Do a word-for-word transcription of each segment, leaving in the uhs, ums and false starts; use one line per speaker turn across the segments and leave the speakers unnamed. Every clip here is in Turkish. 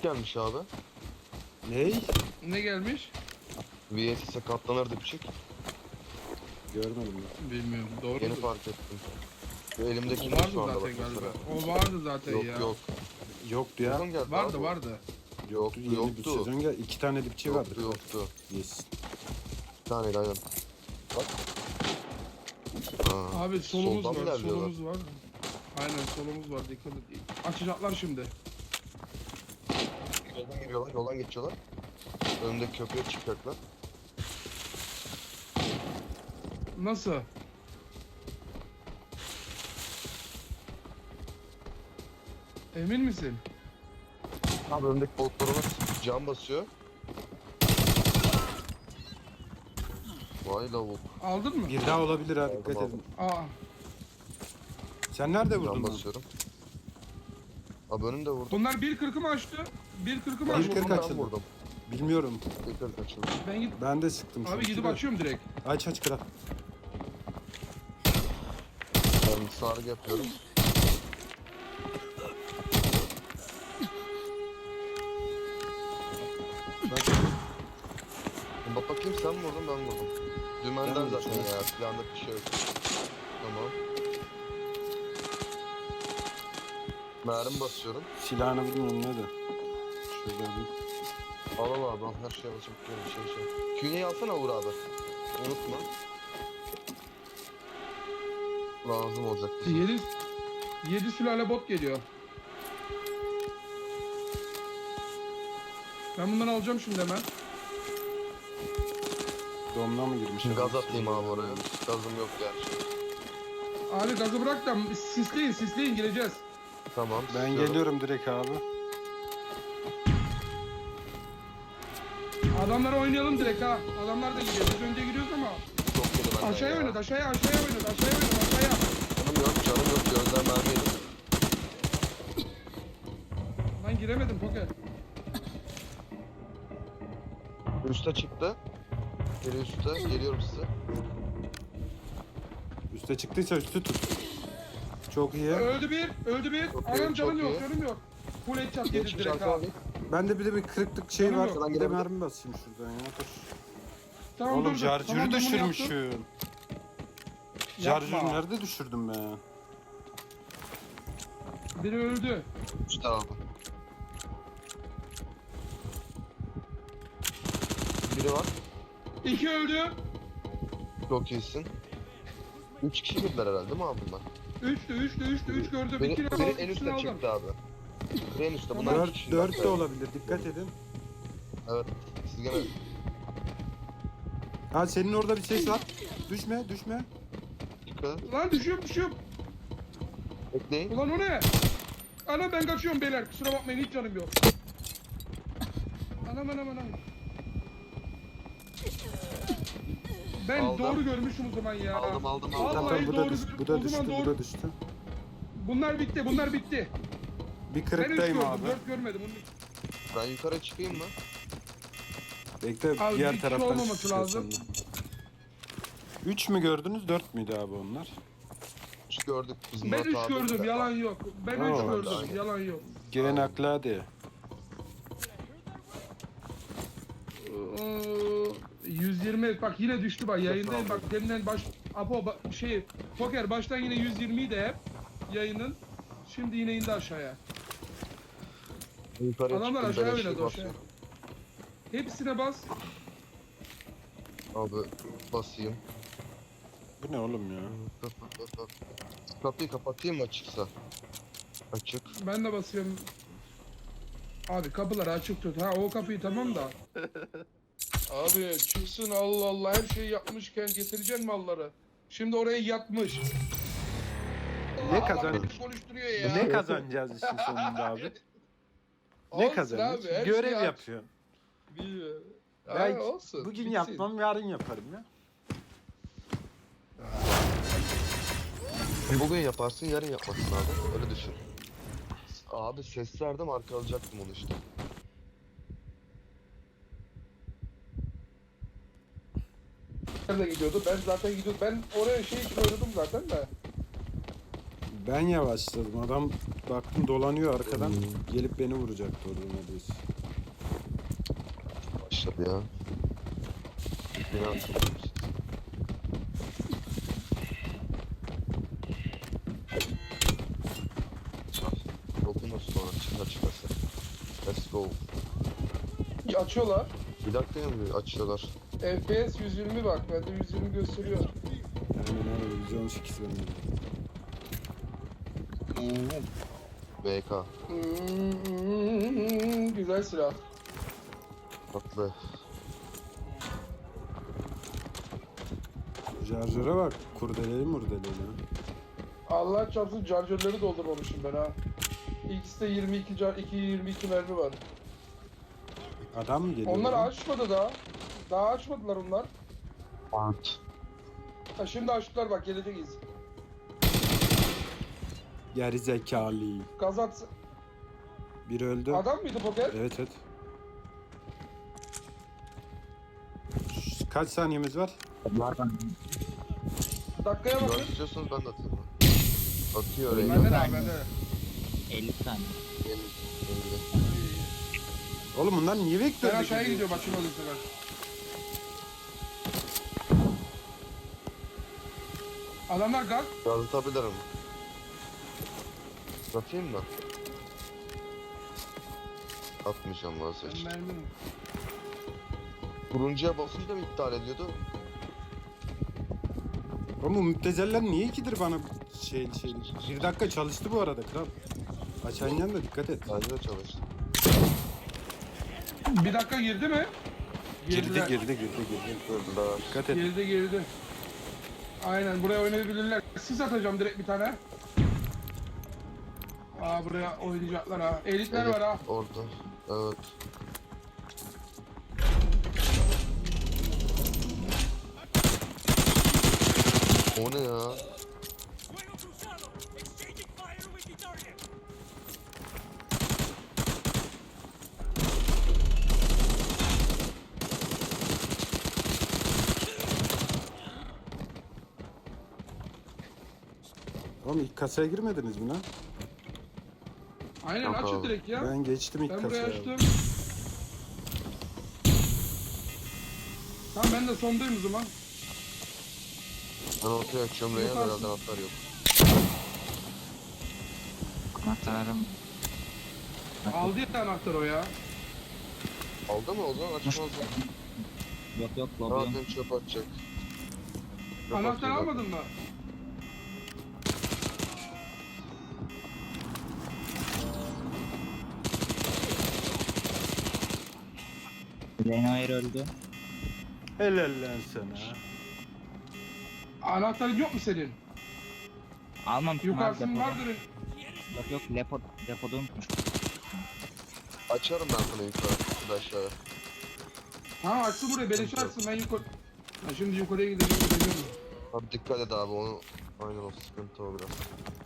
gelmiş abi.
Ney?
Ne gelmiş?
V S S'e katlanır dipçik.
Görmedim ya.
Bilmiyorum. Doğru
Yeni
mu?
fark ettim. Şu
O
elimdeki
vardı
şu anda bak
zaten galiba.
mesela.
O vardı zaten
Yok
ya.
yok.
Yoktu ya.
Buradan geldi
Vardı
abi.
vardı.
Yoktu
Yeni bir
yoktu.
sezon gel. İki tane dipçi vardı.
Yoktu yoktu.
Yes.
Bir taneydi aynen. Bak. Aa,
Abi solumuz
soldan mı
var,
ilerliyorlar?
solumuz var. Aynen solumuz var, dikkat et. Açacaklar şimdi.
Yoldan geliyorlar, yoldan geçiyorlar. Önümdeki köprüye çıkacaklar.
Nasıl? Emin misin?
Abi önümdeki botlarına cam basıyor. Vay lavuk.
Aldın mı?
Bir daha olabilir ha,
Aldım,
dikkat
aldım.
edin.
Aa,
Sen nerede vurdun
Cam
lan?
basıyorum. Abi önümde vurdum.
bunlar bir kırkı mı açtı? bir kırkı mı
Ben
Bir
açtı?
kırk
vurdum, ben
açıldı.
vurdum.
Bilmiyorum.
Bir kırk açıldı.
Ben git
Ben de sıktım.
Abi
sanki
gidip
de.
açıyorum direkt.
Aç aç kral.
Ben sargı yapıyorum. Bak bakayım sen mi vurdun ben mi vurdum? Dümenden
Ben vurdum,
zaten
evet.
ya silahında bir şey yok. Tamam. Mermi basıyorum.
Silahını bilmiyorum ne de. Şurada bir.
Al al abi al her şeye basıp bir şey şey. Künyeyi alsana Uğur abi. Unutma. Lazım olacak bize.
yedi yedi sülale bot geliyor. Ben bundan alacağım şimdi hemen.
Domla mı girmiş?
Gaz atayım abi oraya. Gazım yok gerçi.
Abi gazı bırak da sisleyin sisleyin gireceğiz.
Tamam.
Ben
istiyorum.
geliyorum direkt abi.
Adamlara oynayalım direkt ha. Adamlar da gidiyor. Biz önde giriyoruz ama.
Çok yedi benden
Aşağıya
ya.
oynat aşağıya aşağıya oynat aşağıya oynat aşağıya.
Canım yok canım yok gözden mermi yedim.
Lan giremedim poker.
Üste çıktı. Geri üste geliyorum size.
Üste çıktıysa üstü tut. Çok iyi.
Öldü bir öldü bir.
Çok iyi,
Anam canım
çok
yok
iyi.
canım yok. Full headshot yedi
Geçmiş
direkt
arkana
abi.
bir.
Bende bir de bir kırıklık şey
Canım
var.
yok.
Bir de
Gidebilir.
mermi basayım şuradan ya. Dur.
Tamam
Oğlum
dur, dur.
şarjörü
Tamam, ben bunu yaptım.
düşürmüşüm. Şarjörü
Yapma.
nerede düşürdüm ben?
Biri öldü.
İşte abi. Biri var.
İki öldü.
Çok iyisin. Üç kişi girdiler herhalde değil mi abi bunlar?
Üçtü üçtü üçtü üç gördüm.
Biri,
İkini
biri
aldım.
en
ikisini
üstte
aldım.
çıktı abi. Biri en üstte. Bunlar iki
Dört,
kişi.
dört de olabilir. Dikkat edin.
Evet. Siz gene
Ha senin orada bir ses var. Düşme, düşme.
dikkat edin.
Lan düşüyorum düşüyorum.
Bekleyin.
Ulan o ne? Anam ben kaçıyorum beyler. Kusura bakmayın hiç canım yok. Anam anam anam. Ben
Aldım.
doğru görmüşüm o zaman ya.
Aldım, aldım, aldım.
Vallahi
Zaten bu da,
doğru
düş, bu
o
da
zaman
düştü, bu
doğru.
da düştü.
Bunlar bitti bunlar bitti.
Bir
Ben üç
kırıktayım
gördüm
abi.
dört görmedim.
Ben yukarı çıkayım mı?
Bekle
Abi bir
diğer
kişi
taraftan
olmaması
çıkıyor
lazım.
senden. Üç mü gördünüz, dört müydü abi onlar?
Üç gördük biz
Ben
Murat
üç
abi.
gördüm yalan yok. Ben
Oo.
üç
Ben de
gördüm
aynı.
yalan yok.
Gelen akla hadi.
Ee, yüz yirmi bak yine düştü bak yayındayım bak deminden baş Apo ba- şey poker baştan yine yüz yirmi de hep yayının şimdi yine indi aşağıya.
Yukarıya
Adamlar
çıktım,
aşağıya
beleşe
oynadı aşağıya.
basıyorum.
Hepsine bas.
Abi basayım.
Bu ne oğlum ya?
Kapıyı kapatayım mı açıksa? Açık.
Ben de basıyorum. Abi kapıları açık tut. Ha o kapıyı tamam da. Abi çıksın Allah Allah her şeyi yapmışken getireceksin malları. Şimdi oraya yatmış.
Ne
Allah
kazan-
beni konuşturuyor ya.
Ne kazanacağız işin sonunda abi? Ne
Olsun
kazanıyoruz?
abi, her
Görev
şeyi aç.
yapıyorsun.
Bilmiyorum.
Belki
Ha, olsun.
bugün
bitsin.
yapmam, yarın yaparım ya.
Bugün yaparsın yarın yapmasın abi. Öyle düşün. Abi ses verdim arkalayacaktım onu işte.
Nerede gidiyordu? Ben zaten gidiyordum. Ben oraya şey için oynadım zaten de.
Ben yavaşladım. Adam baktım dolanıyor arkadan. Gelip beni vuracaktı orada neredeyse.
Başladı ya. Beni hatırlıyor. Dokunuz sonra çıkar çıkarsa. Let's go.
Ya açıyorlar.
Bir dakika ya mı açıyorlar?
F P S yüz yirmi bak. Bende yüz yirmi gösteriyor.
Aynen öyle. yüz on sekiz bende.
B K.
Hmm, güzel silah.
Tatlı.
Şarjöre bak. Kurdeleli murdeleli.
Allah çarpsın charger'ları doldurmamışım ben ha. İkisi de yirmi iki car iki yirmi iki mermi var.
Adam mı geliyor?
Onlar
lan?
açmadı daha. Daha açmadılar onlar.
Ant.
Ha şimdi açtılar bak geleceğiz.
Geri zekalı.
Gazat
Biri öldü.
adam mıydı poker?
Evet evet. Şş, Kaç saniyemiz var?
Dakikaya
Ben
bakın.
istiyorsanız ben de atayım. Atıyor oraya.
Bende de var bende de.
elli saniye.
elli, elli.
Oğlum bunlar niye
Ben
vektörde
aşağıya
gidiyor?
gidiyorum açın oluyor sefer. Adamlar gaz.
Yazıtabilirim. Atayım mı? Atmayacağım vazgeç.
Mermi mi?
Turuncuya basınca mı iptal ediyordu?
Oğlum bu müptezeller niye ikidir bana şey şey. Bir dakika çalıştı bu arada kral. Açan da dikkat et.
Bence de çalıştı.
Bir dakika girdi mi?
Girdi
Girdiler.
girdi girdi girdi.
Gördüler.
Dikkat et.
Girdi girdi. Aynen buraya oynayabilirler. Sis atacağım direkt bir tane. Aa buraya oynayacaklar ha. Elitler var ha.
Orada. Evet. O ne ya?
Fuego cruzado! Exchanging fire with the target!
Oğlum ilk kasaya girmediniz mi lan?
Aynen
Yok
açın
abi.
direkt ya.
Ben geçtim ilk
Ben buraya
kasaya.
açtım. Tamam ben de sondayım o zaman.
Ben ortaya açıyorum Reyna
Yaparsın.
herhalde atlar yok.
Anahtarım.
Aldı ya anahtar o ya.
Aldı mı o zaman açmaz mı?
Yok yok lobbyum.
Zaten çöp atacak. Çöp
Anahtar
atıyor zaten.
almadın mı?
Lenoir öldü.
Helal lan sana.
Anahtarın yok mu senin?
Almamışım abi
Yukarısının
depoda.
vardır.
Yok yok depo, depoda unutmuşum.
Açarım ben sana yukarı. Bir de aşağıya.
Ha açsın buraya beleş açsın ben yukarı. Ha şimdi yukarıya gideceğim gideceğim.
Abi dikkat et abi onu. Aynen o sıkıntı o biraz.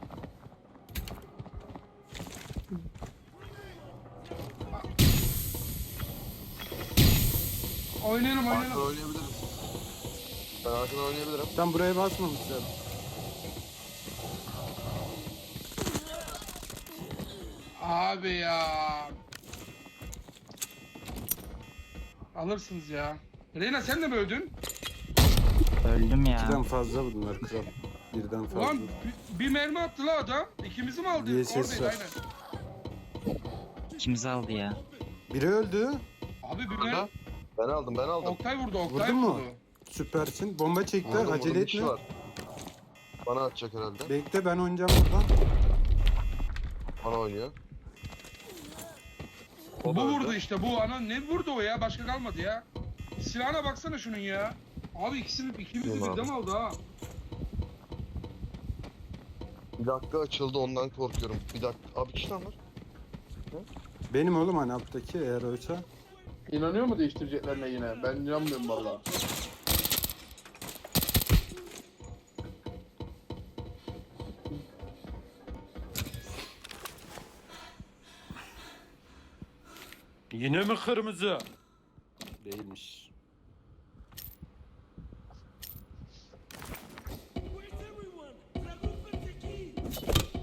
Oynayalım
Arkadan
oynayalım.
oynayabilirim. Ben arkadan oynayabilirim.
Tam buraya basmamışlar.
Abi ya. Alırsınız ya. Reyna sen de mi öldün?
Öldüm
İkiden
ya.
fazla bunlar kral. Birden fazla.
Ulan bir, bir mermi attı la adam. İkimizi mi aldı?
Diye ses
Oradaydı
var.
aynen.
İkimizi aldı ya.
Biri öldü.
Abi bir
Burada.
mermi.
Ben aldım ben aldım.
Oktay vurdu Oktay
Vurdun mu?
vurdu.
Süpersin. Bomba çekti.
Vurdum,
Acele
vurdum, bir kişi
etme.
var. Bana atacak herhalde.
Bekle ben oynayacağım buradan.
Bana oynuyor.
Bu
O da
vurdu
öldü.
işte bu ana ne vurdu o ya başka kalmadı ya. Silahına baksana şunun ya. Abi ikisini ikimizi
Değil mi
birden
abi?
aldı ha.
Bir dakika açıldı ondan korkuyorum. Bir dakika. Abi kişi var.
Benim oğlum hani alttaki eğer oysa.
İnanıyor mu değiştireceklerine yine? Ben inanmıyorum vallahi.
Yine mi kırmızı? Değilmiş.
Where's everyone? Radufa Teki!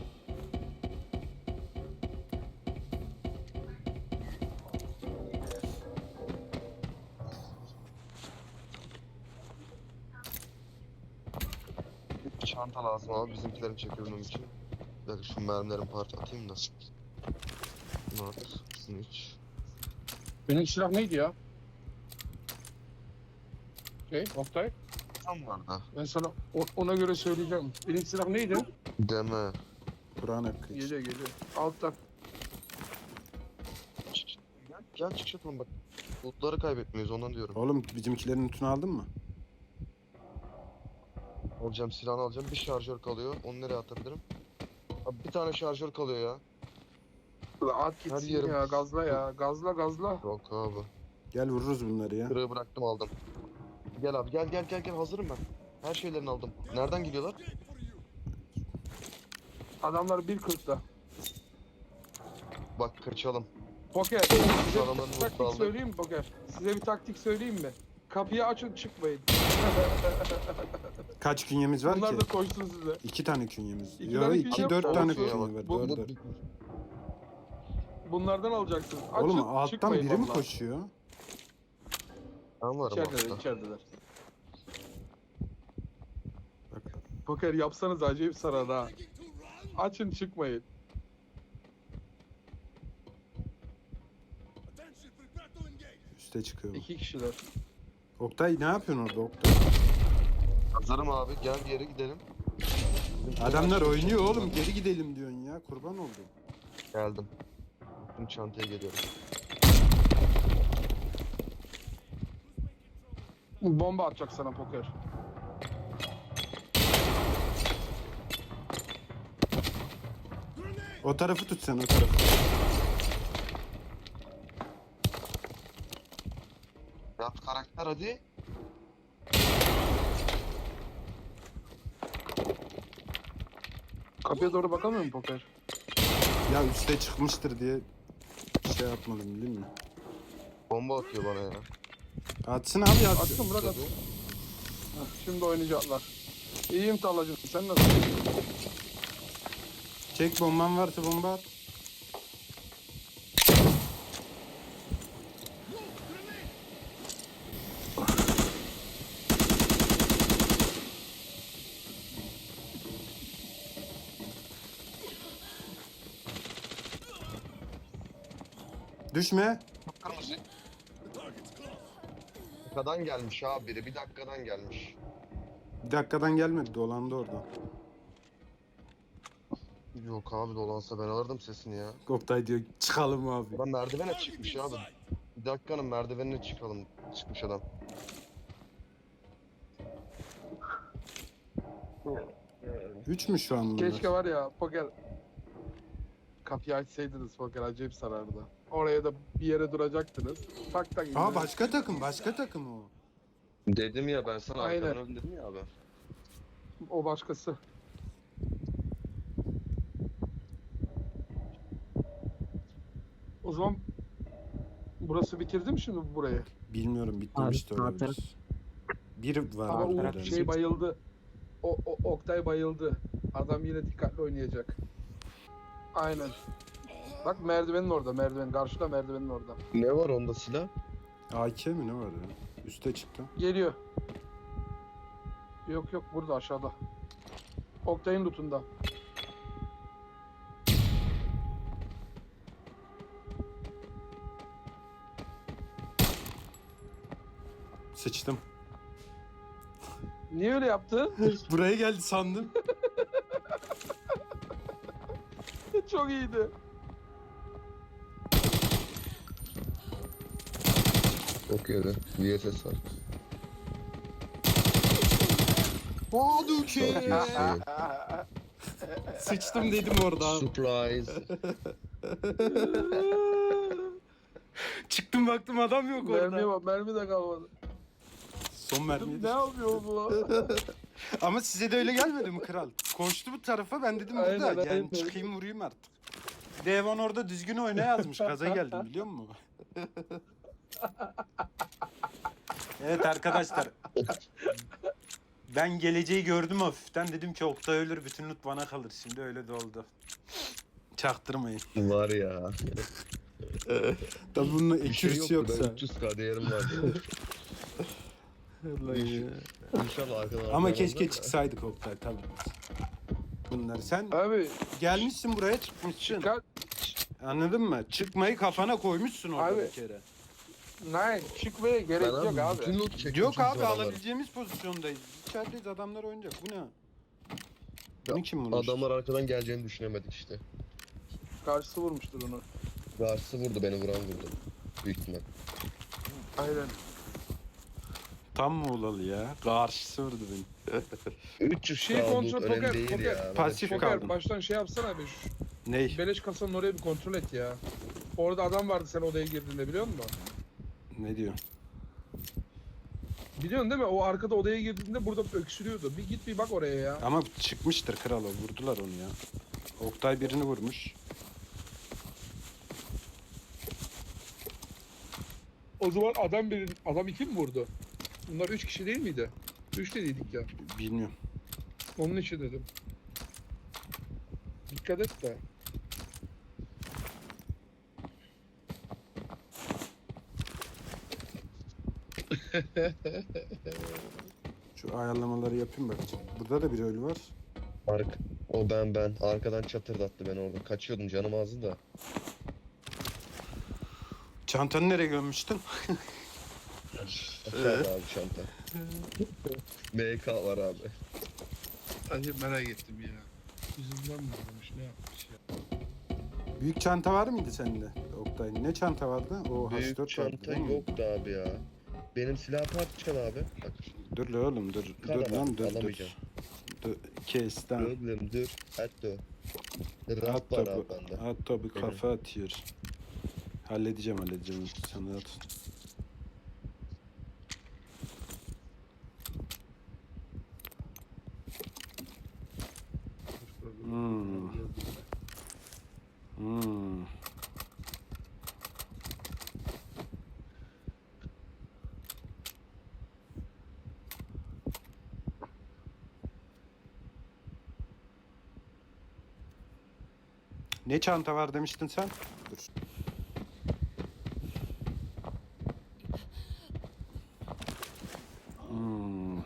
çanta lazım abi bizimkilerin çekebilmem için. Bir dakika şu mermilerin parça atayım da. Bunu at. Şunu iç.
Benim silah neydi ya? Şey, Oktay.
Tam var da.
Ben sana o- ona göre söyleyeceğim. Benim silah neydi?
Deme.
Kur'an hakkı için.
Geliyor geliyor. Alttan.
Gel, gel çık çıkalım bak. Lootları kaybetmiyoruz ondan diyorum.
Oğlum bizimkilerin notunu aldın mı?
Alacağım silahını alacağım. Bir şarjör kalıyor. Onu nereye atabilirim? Abi bir tane şarjör kalıyor ya.
At
Her
gitsin
yerim-
ya gazla ya. Gazla gazla.
Yok abi.
Gel vururuz bunları ya.
Kırığı bıraktım aldım. Gel abi gel gel gel gel hazırım ben. Her şeylerini aldım. Nereden gidiyorlar?
Adamlar bir kırkta.
Bak kaçalım.
Poker. Size
adamların
bir
loot'u
taktik
aldık.
söyleyeyim mi Poker? Size bir taktik söyleyeyim mi? Kapıyı açın çıkmayın.
Kaç künyemiz var
Bunlar
ki?
da koşsun size.
İki tane künyemiz.
İki
Yo
tane
iki
künye
dört
yok.
tane
Olsun ya
künye
bak.
var.
Bu-
Dört
bu-
dört.
Bunlardan alacaksınız. Açın
Oğlum alttan
çıkmayın
biri mi
vallahi.
koşuyor?
Ben varım
İçerideler
altta.
içerideler.
Bak
Poker yapsanız acayip sarar ha. Açın çıkmayın.
Attention, prepare to engage.
üste çıkıyor. bu.
İki kişiler.
Oktay ne yapıyorsun orada Oktay?
Hazırım abi gel bir yere gidelim.
Adamlar oynuyor oğlum geri gidelim diyorsun ya kurban oldum.
Geldim. Şimdi çantaya geliyorum.
Bomba atacak sana Poker.
O tarafı tut sen o tarafı.
Yap karakter hadi.
Kapıya doğru bakamıyor mu Poker?
Ya üste çıkmıştır diye şey yapmadım değil mi?
Bomba atıyor bana ya.
Atsın abi atsın.
Atsın bırak atsın. Heh, şimdi oynayacaklar. İyiyim Talacığım. Sen nasıl?
Çek bomban varsa bomba at. Düşme.
Kırmızı. Bir dakikadan gelmiş abi biri. Bir dakikadan gelmiş.
Bir dakikadan gelmedi dolandı oradan.
Yok abi dolansa ben alırdım sesini ya.
Oktay diyor çıkalım abi.
Adam merdivene çıkmış abi. Bir dakikanın merdivenine çıkalım. Çıkmış adam.
Üç mü şu an bunlar?
Keşke var ya Poker. Kapıyı açsaydınız Poker acayip sarardı. Oraya da bir yere duracaktınız. Tak tak.
Aa
indirin.
başka takım başka takım o.
Dedim ya ben sana
Aynen.
arkadan öldüm dedim ya abi.
O başkası. O zaman burası bitirdi mi şimdi burayı?
Bilmiyorum bitmemiş de
Abi, sağ
olabilir. Bir var
Ama
orada
o
herhalde.
şey bayıldı. O, o Oktay bayıldı. Adam yine dikkatli oynayacak. Aynen. Bak merdivenin orada, merdiven karşıda merdivenin orada.
Ne var onda silah?
A K mi ne var ya? Üste çıktı.
Geliyor. Yok yok burada aşağıda. Oktay'ın lootunda.
Sıçtım.
Niye öyle yaptı?
Buraya geldi sandım.
Çok iyiydi.
Çok yedi. V S S var.
Hadouken!
Çok iyisin.
Sıçtım dedim orada abi.
Surprise.
Çıktım baktım adam yok
Mermi
orada.
var, mermi de kalmadı.
Son mermiyi
Ne yapıyor bu?
Ama size de öyle gelmedi mi kral? Koştu bu tarafa ben dedim
Aynen,
burada yani
aynen.
çıkayım vurayım artık. Devon orada düzgün oyna yazmış gaza geldim biliyor musun? Evet arkadaşlar. Ben geleceği gördüm hafiften dedim ki Oktay ölür bütün loot bana kalır şimdi öyle de oldu. Çaktırmayın.
Var ya.
Tabi bunun
Bir şey
ekürüsü
yoktu. Ben
yoksa.
üç yüz K değerim vardı.
Vallahi ya.
İnşallah arkadan
Ama
arkadan
keşke
da-
çıksaydık Oktay tabii. Bunlar sen
Abi
gelmişsin buraya çıkmışsın.
çıkar.
Anladın mı? Çıkmayı kafana koymuşsun orada
Abi,
bir kere.
Nein çıkmaya gerek
Ben
yok abi.
bütün loot çektim
Yok
çünkü
abi
adamları.
alabileceğimiz pozisyondayız. İçerideyiz adamlar oynayacak. Bu ne? Bunu kim vurmuş?
Adamlar arkadan geleceğini düşünemedik işte.
Karşısı vurmuştur onu.
Karşısı vurdu, beni vuran vurdu. Büyük ihtimal.
Aynen.
Tam Muğlalı ya. Karşısı vurdu beni.
üç yüz
Şey
şey
kontrol-
önemli
poker-
değil
poker-
ya.
Pasif
Ben-
kaldım.
Poker baştan şey yapsana be şu
Ney?
beleş kasanın oraya bir kontrol et ya. Orada adam vardı sen odaya girdiğinde biliyor musun?
Ne diyor?
Biliyorsun değil mi? O arkada odaya girdiğinde burada öksürüyordu. Bir git bir bak oraya ya.
Ama çıkmıştır kral o. Vurdular onu ya. Oktay birini vurmuş.
O zaman adam bir adam iki mi vurdu? Bunlar üç kişi değil miydi? Üç dediydik ya.
Bilmiyorum.
Onun için dedim. Dikkat et de.
Şu ayarlamaları yapayım bakacağım. Burada da bir ölü var.
Ark. O ben ben. Arkadan çatırdattı beni orada. Kaçıyordum, canım azdı da.
Çantanı nereye gömmüştün?
Aşağıda abi çanta. M K var abi.
Hadi merak ettim ya. Yüzünden mi olmuş ne yapmış ya?
Büyük çanta var mıydı sende Oktay? Ne çanta vardı? O H
Büyük
dört vardı
çanta
değil mi?
yoktu abi ya. Benim silah parçam abi. Bak.
Dur la oğlum dur.
Kara
dur lan
var,
dur dur.
alamayacağım.
Dur. Kes tamam.
Problem dur. Hatta.
At
Rahat var abi
topu.
bende.
At topu kafa atıyor. Halledeceğim halledeceğim. Sen rahat ol. Hmm. Hmm. Ne çanta var demiştin sen? Dur. Hmm.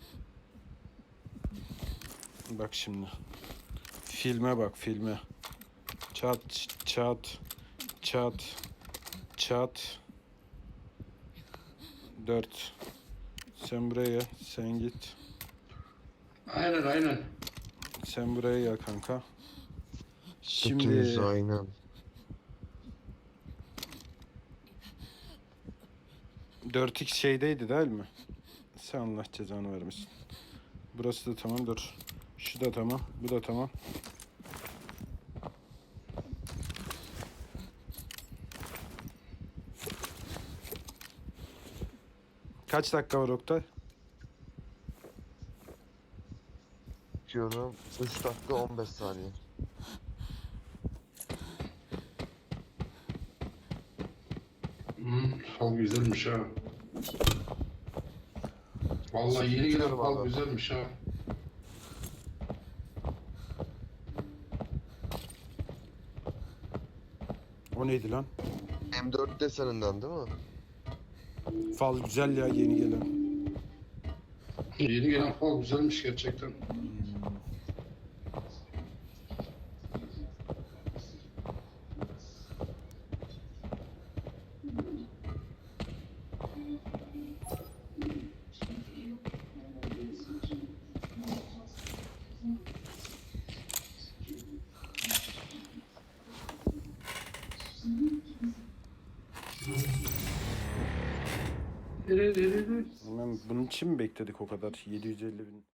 Bak şimdi. Filme bak filme. Çat çat çat çat. Dört. Sen buraya sen git.
Aynen aynen.
Sen buraya gel kanka.
Şimdi...
Şimdi
aynen.
dört x şeydeydi değil mi? Sen Allah cezanı vermesin. Burası da tamam dur. Şu da tamam. Bu da tamam. Kaç dakika var Oktay?
Diyorum. üç dakika on beş saniye.
Hmm, fal güzelmiş ha. Vallahi yeni gelen
Çıkıyorum
fal
abi.
güzelmiş ha.
O neydi lan?
M dört deseninden değil mi?
Fal güzel ya yeni gelen.
Yeni gelen fal güzelmiş gerçekten.
Hemen bunun için mi bekledik o kadar? yedi yüz elli bin.